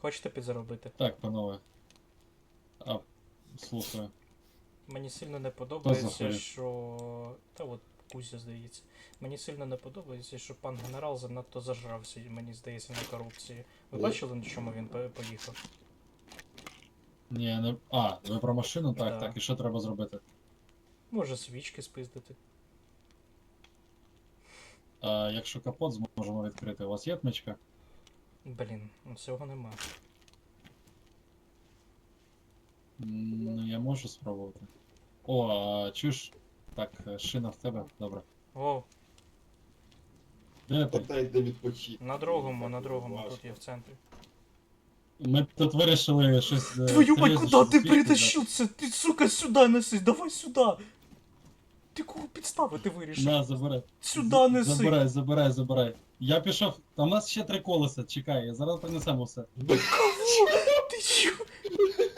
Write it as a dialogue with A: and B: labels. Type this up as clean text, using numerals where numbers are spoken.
A: Хочете підзаробити?
B: Так, панове. А, слухаю.
A: Мені сильно не подобається,
B: захворів?
A: що... Та от Кузя, здається. Мені сильно не подобається, що пан генерал занадто зажрався, мені здається, на корупції. Ви бачили, на чому він поїхав?
B: Ні, не... А, ви про машину? Так,
A: Да.
B: так. І що треба зробити?
A: Може свічки спиздити.
B: А, якщо капот зможемо відкрити, у вас є отмичка?
A: Блін, ну цього нема.
B: Ну, я можу спробувати. О, а чуєш? Так, шина в тебе, добре.
A: О,
B: Де ти?
C: Та йде відпочити.
A: на другому, тут є в центрі.
B: Ми тут вирішили щось.
A: Твою мать,
B: серйозніше
A: куда ти
B: засвідчити,
A: притащив це? Ти, сука, сюди неси, давай сюди! Ти кого підставити
B: да?
A: вирішив?
B: На, забирай.
A: Сюди неси!
B: Забирай. Я пішов. Там у нас ще 3 колеса, чекай, зараз принесемо все.
A: Ти чо?